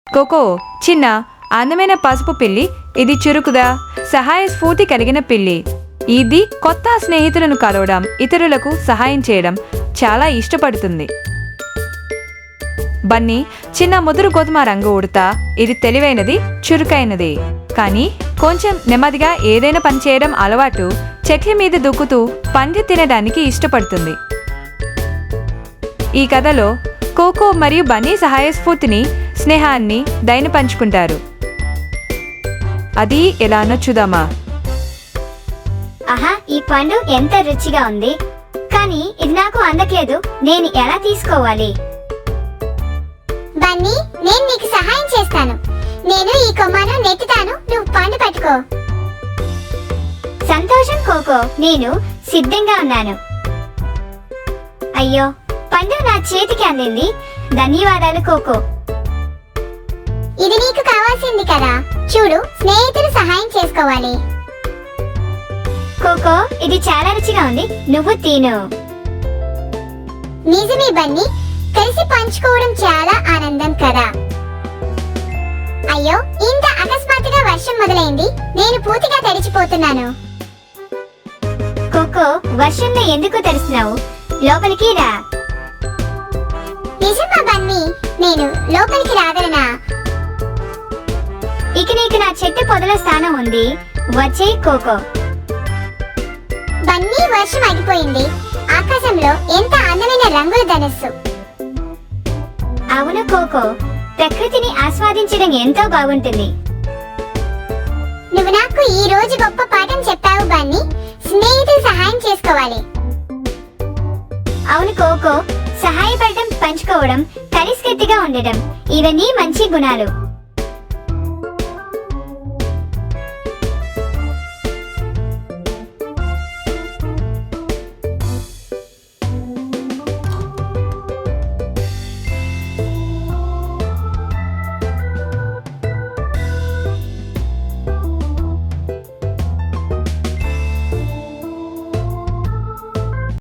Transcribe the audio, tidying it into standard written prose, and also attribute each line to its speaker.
Speaker 1: Cocoa చిన్న అందమైన పసుపు పిల్లి. ఇది చురుకుగా సహాయ స్ఫూర్తి కలిగిన పిల్లి. ఇది కొత్త స్నేహితులను కలవడం, ఇతరులకు సహాయం చేయడం చాలా ఇష్టపడుతుంది. బన్నీ చిన్న ముదురు గోధుమ రంగు ఉడత. ఇది తెలివైనది, చురుకైనది, కానీ కొంచెం నెమ్మదిగా ఏదైనా పని చేయడం అలవాటు. చెట్ల మీద దూకుతూ పంది తినడానికి ఇష్టపడుతుంది. ఈ కథలో కోకో మరియు బన్నీ సహాయ స్ఫూర్తిని, స్నేహాన్ని, దయను పంచుకుంటారు. అది ఎలానో చూద్దామా?
Speaker 2: ఆహా, ఈ పండు ఎంత రుచిగా ఉంది, కానీ ఇది నాకు అందట్లేదు. నేను ఎలా తీసుకోవాలి?
Speaker 3: బన్నీ, నేను నీకు సహాయం చేస్తాను. నేను ఈ కొమ్మను నెట్టుతాను, నువ్వు పండు పట్టుకో.
Speaker 2: సంతోషం కోకో, నేను సిద్ధంగా ఉన్నాను. అయ్యో, పండు నా చేతికి అందింది. ధన్యవాదాలు కోకో.
Speaker 3: ఇది నీకు కావాల్సింది కదా. చూడు, స్నేహితులు సహాయం చేసుకోవాలి.
Speaker 2: కోకో, ఇది చాలా రుచిగా ఉంది, నువ్వు తిను.
Speaker 3: నిజమే బన్నీ, కలిసి పంచుకోవడం చాలా ఆనందం కదా. అయ్యో, ఇంత అకస్మాత్తుగా వర్షం మొదలైంది. నేను పూర్తిగా తడిచిపోతున్నాను.
Speaker 2: కోకో, వర్షంలో ఎందుకు తడుస్తున్నావు? లోపలికి రా.
Speaker 3: నిజమా బన్నీ? నేను లోపలికి రాగలనా?
Speaker 2: ఇక నీకు నా చెట్టు పొదల స్థానం ఉంది. వచ్చే కోకో.
Speaker 3: బన్నీ, వర్షం ఆగిపోయింది. ఆకాశంలో ఎంత అందమైన రంగుల ధనుస్సు.
Speaker 2: అవును కోకో, ప్రకృతిని ఆస్వాదించడం ఎంతో బాగుంటుంది.
Speaker 3: నువ్వు నాకు ఈ రోజు గొప్ప పాఠం చెప్పావు బన్నీ. స్నేహితులు సహాయం చేసుకోవాలి.
Speaker 2: అవును కోకో, సహాయపడటం, పంచుకోవడం, కలిసికట్టుగా ఉండటం, ఇవన్నీ మంచి గుణాలు.